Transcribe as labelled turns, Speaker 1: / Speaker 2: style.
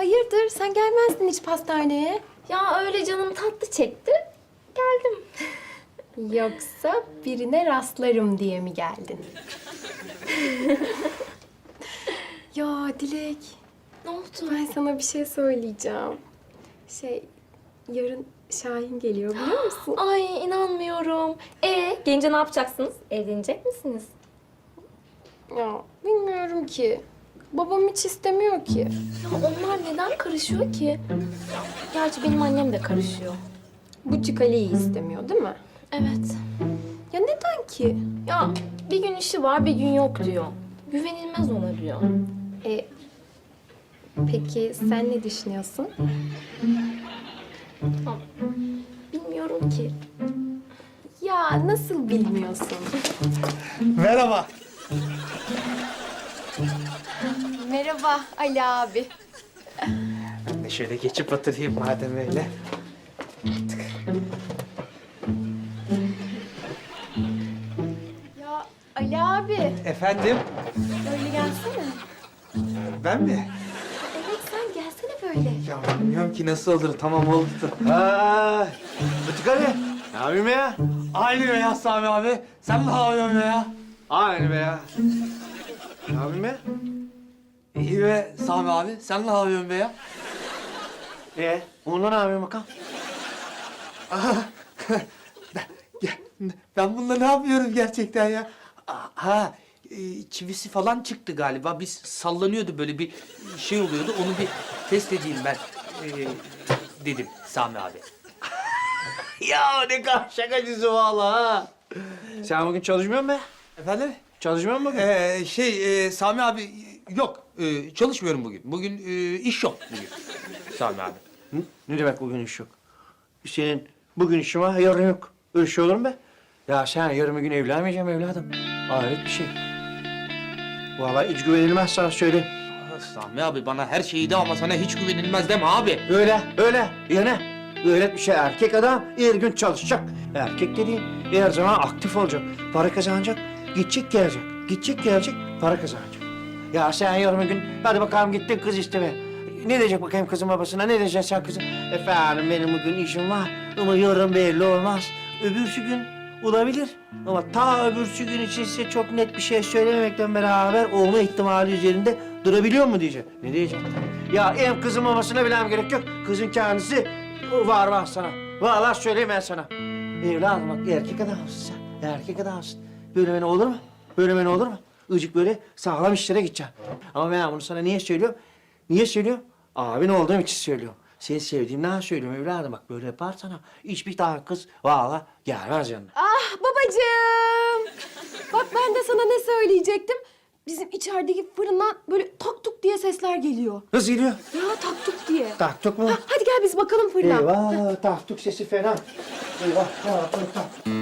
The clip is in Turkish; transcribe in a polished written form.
Speaker 1: hayırdır? Sen gelmezdin hiç pastaneye.
Speaker 2: Ya öyle canım tatlı çekti. Geldim.
Speaker 1: Yoksa birine rastlarım diye mi geldin? Ya Dilek,
Speaker 2: Ne oldu?
Speaker 1: ben sana bir şey söyleyeceğim. Yarın Şahin geliyor biliyor musun?
Speaker 2: Ay inanmıyorum. Gelince ne yapacaksınız? Evlenecek misiniz?
Speaker 1: Ya bilmiyorum ki. Babam hiç istemiyor ki.
Speaker 2: Ya onlar neden karışıyor ki? Gerçi benim annem de karışıyor.
Speaker 1: Bucuk Ali'yi istemiyor değil mi?
Speaker 2: Evet.
Speaker 1: Ya neden ki?
Speaker 2: Ya bir gün işi var bir gün yok diyor. Güvenilmez ona diyor.
Speaker 1: Peki sen ne düşünüyorsun?
Speaker 2: Tamam. Bilmiyorum ki.
Speaker 1: Ya nasıl bilmiyorsun?
Speaker 3: Merhaba.
Speaker 1: Merhaba Ali abi.
Speaker 3: Ben de şöyle geçip oturayım madem öyle.
Speaker 1: Ya Ali abi,
Speaker 3: Efendim?
Speaker 1: böyle gelsene.
Speaker 3: Ben mi?
Speaker 1: Evet sen gelsene böyle.
Speaker 3: Ya bilmiyorum ki nasıl olur. Tamam oldu. Ha, Butik Ali. Ne yapayım ya? Aynı be ya Sami abi. Sen ne yapıyorsun be ya? Aynı be ya. Ne yapayım ya? İyi be Sami abi. Sen ne yapıyorsun be ya?
Speaker 4: Onunla ne yapıyorsun bakalım?
Speaker 3: Ben bununla ne yapıyorum gerçekten ya? Ha, çivisi falan çıktı galiba. Biz sallanıyordu böyle bir şey oluyordu. Onu bir test edeyim ben dedim Sami abi.
Speaker 4: Ya ne kadar şakacısı vallahi ha. Sen bugün çalışmıyor musun be?
Speaker 3: Efendim?
Speaker 4: Çalışmıyor musun bugün?
Speaker 3: Sami abi yok. Çalışmıyorum bugün. Bugün iş yok bugün. Sami abi.
Speaker 4: Hı? Ne demek bugün iş yok? Senin bugün işin var, yarın yok. Öyle şey olur mu be? Ya sen yarın bir gün evlenmeyeceğim evladım. Hayret bir şey. Vallahi hiç güvenilmez sana söyleyeyim.
Speaker 3: Sami abi bana her şeyi de ama sana hiç güvenilmez deme abi.
Speaker 4: Öyle. Ya ne? Öyle bir şey erkek adam her gün çalışacak. Erkek dediğin her zaman aktif olacak. Para kazanacak, gidecek gelecek, para kazanacak. Ya sen yarın bir gün hadi bakalım gittin kız istemeye. Ne diyecek bakayım kızın babasına, ne diyeceksin sen kızım? Efendim benim bugün işim var ama yarın belli olmaz. Öbürsü gün olabilir ama ta öbürsü gün için size çok net bir şey söylememekle beraber olma ihtimali üzerinde durabiliyor mu diyecek. Ne diyecek? Ya hem kızın mamasına bilemem gerek yok. Kızın kendisi var sana. Vallahi söyleyeyim ben sana. Evladım bak erkek adamsın sen. Erkek adamsın. Böyle beni olur mu? Böyle beni olur mu? Icık böyle sağlam işlere gideceksin. Ama ben bunu sana niye söylüyorum? Niye söylüyorum? Abin olduğum için söylüyorum. Seni sevdiğimden söylüyorum evladım. Bak böyle yaparsana hiçbir tane kız vallahi gelmez yanına.
Speaker 1: Ah babacığım. Bak ben de sana ne söyleyecektim. Bizim içerideki fırından böyle tak tuk diye sesler geliyor.
Speaker 4: Nasıl geliyor?
Speaker 1: Ya tak tuk diye.
Speaker 4: Taktuk mu?
Speaker 1: Hadi gel biz bakalım fırına.
Speaker 4: Eyvah taktuk sesi fena. Eyvah taktuk tak.